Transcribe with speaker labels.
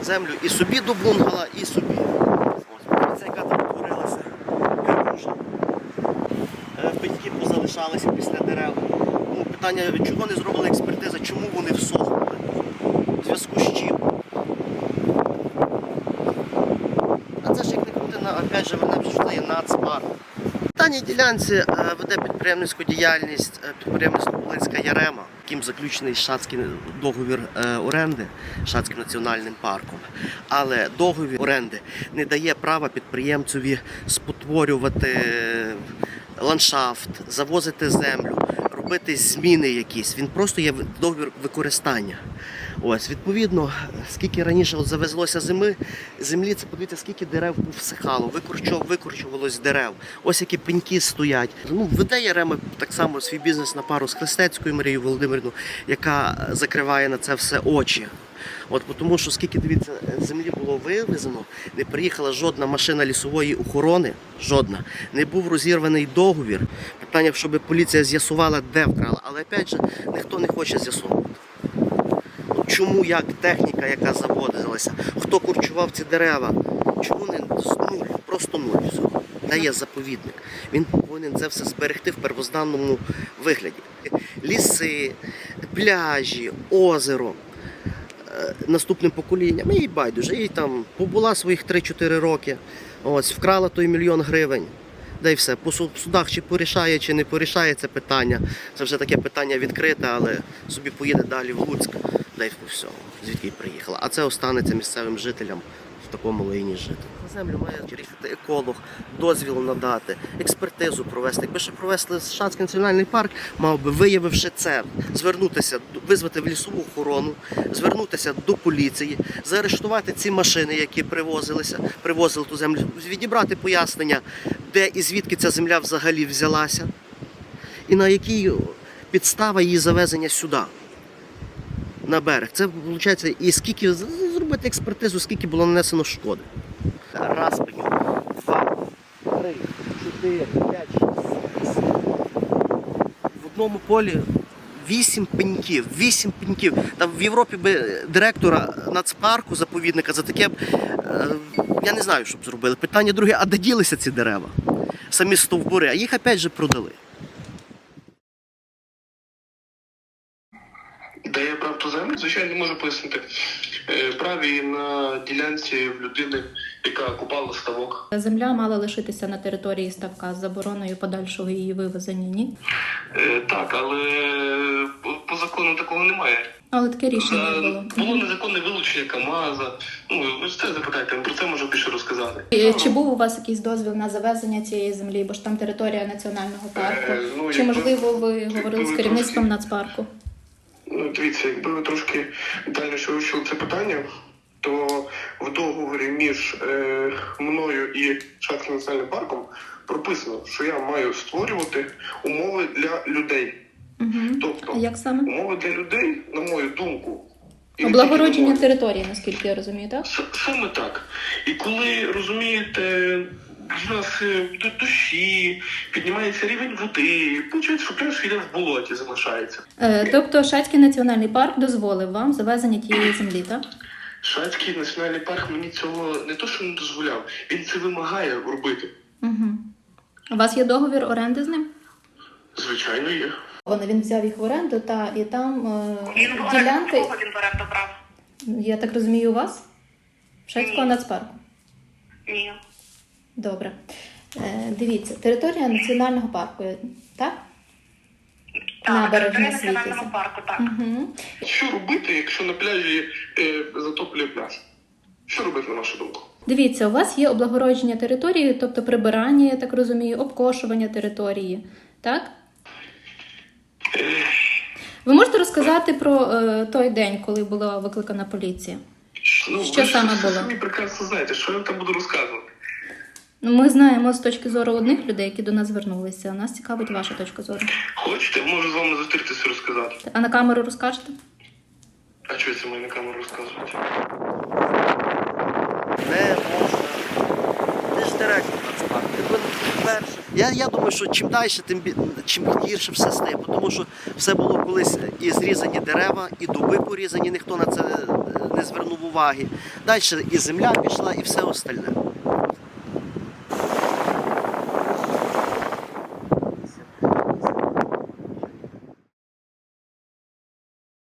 Speaker 1: землю і собі до бунгала, і собі. Ось, яка там творилася. Пеньки позалишалися після дерев. Ну, питання, чого не зробили експертиза, чому вони всохли? В зв'язку з чим? А це ж як не крути, опять же, вернемося, що є нацпарк. В даній ділянці веде підприємницьку діяльність підприємництво Волинська Ярема, яким заключений Шацький договір оренди Шацьким національним парком. Але договір оренди не дає права підприємцеві спотворювати ландшафт, завозити землю, робити зміни якісь. Він просто є договір використання. Ось, відповідно, скільки раніше завезлося землі, це подивіться, скільки дерев повсихало, викорчувалось дерев. Ось які пеньки стоять. Ну, веде Ярема так само свій бізнес на пару з Хрестецькою Марією Володимирівною, яка закриває на це все очі. От, тому що скільки, дивіться, землі було вивезено, не приїхала жодна машина лісової охорони, жодна. Не був розірваний договір. Питання, щоб поліція з'ясувала, де вкрала. Але, опять же, ніхто не хоче з'ясовувати. Чому, як техніка, яка заводилася, хто корчував ці дерева, чому не нуль, просто нуль всього. Де є заповідник. Він повинен це все зберегти в первозданному вигляді. Ліси, пляжі, озеро. Наступним поколінням, їй байдуже, їй там побула своїх 3-4 роки, ось, вкрала той 1 мільйон гривень, да й все. По судах чи порішає, чи не порішає це питання, це вже таке питання відкрите, але собі поїде далі в Луцьк, да й по всьому, звідки й приїхала. А це останеться місцевим жителям в такому лайні жити. На землю має приїхати еколог, дозвіл надати, експертизу провести. Якби ще провести Шацький національний парк, мав би, виявивши це, звернутися, визвати в лісову охорону, звернутися до поліції, заарештувати ці машини, які привозили ту землю, відібрати пояснення, де і звідки ця земля взагалі взялася, і на якій підстава її завезення сюди, на берег. Це, виходить, і скільки, зробити експертизу, скільки було нанесено шкоди. Раз пеньок, 2, 3, 4, 5, 6, 8. В одному полі 8 пеньків, 8 пеньків. Там в Європі би директора нацпарку, заповідника, за таке, я не знаю, що б зробили. Питання друге, а де ділися ці дерева? Самі стовбури, а їх опять же продали.
Speaker 2: Де я брав ту землю? Звичайно, не можу пояснити. Праві на ділянці в людини, яка купала ставок.
Speaker 3: Земля мала лишитися на території ставка з забороною подальшого її вивезення, ні?
Speaker 2: Так, але по закону такого немає.
Speaker 3: Але таке рішення було.
Speaker 2: Було незаконне вилучення КАМАЗа. Ну, ви ж це запитайте, про це можу більше розказати.
Speaker 3: Чи був у вас якийсь дозвіл на завезення цієї землі, бо ж там територія національного парку? Чи, можливо, ви говорили з керівництвом нацпарку?
Speaker 2: Ну, дивіться, якби ви трошки детальніше вивчили це питання, то в договорі між мною і Шацьким національним парком прописано, що я маю створювати умови для людей.
Speaker 3: Угу.
Speaker 2: Тобто,
Speaker 3: як саме?
Speaker 2: Умови для людей, на мою думку...
Speaker 3: Облагородження території, наскільки я розумію, так?
Speaker 2: Саме так. І коли, розумієте, в нас дощі, піднімається рівень води, виходить, що пляж йде в болоті, залишається.
Speaker 3: Тобто Шацький національний парк дозволив вам завезення тієї землі, так?
Speaker 2: Шацький національний парк мені цього не то, що не дозволяв, він це вимагає робити.
Speaker 3: Угу. У вас є договір оренди з ним?
Speaker 2: Звичайно, є.
Speaker 3: Він взяв їх в оренду, і там ділянки...
Speaker 4: Кого він в оренду брав?
Speaker 3: Я так розумію, у вас? Шацького нацпарку?
Speaker 4: Ні.
Speaker 3: Добре. Дивіться, територія національного парку, так?
Speaker 4: Так,
Speaker 3: Набережна
Speaker 4: територія національного
Speaker 3: Світязя.
Speaker 4: парку, так.
Speaker 3: Угу.
Speaker 2: Що робити, якщо на пляжі затоплює пляж? Що робити, на вашу думку?
Speaker 3: Дивіться, у вас є облагородження території, тобто прибирання, я так розумію, обкошування території, так? Ви можете розказати про той день, коли була викликана поліція? Що саме було?
Speaker 2: Ви прекрасно знаєте, що я там буду розказувати.
Speaker 3: Ми знаємо з точки зору одних людей, які до нас звернулися. Нас цікавить ваша точка зору.
Speaker 2: Хочете, можу з вами зустрітися і розказати.
Speaker 3: А на камеру розкажете?
Speaker 2: А чого це мені на камеру розказувати?
Speaker 1: Не можна. Ти ж директор нацпарку. Я думаю, що чим далі, чим гірше все стає, тому що все було колись і зрізані дерева, і дуби порізані, ніхто на це не звернув уваги. Далі і земля пішла, і все остальне.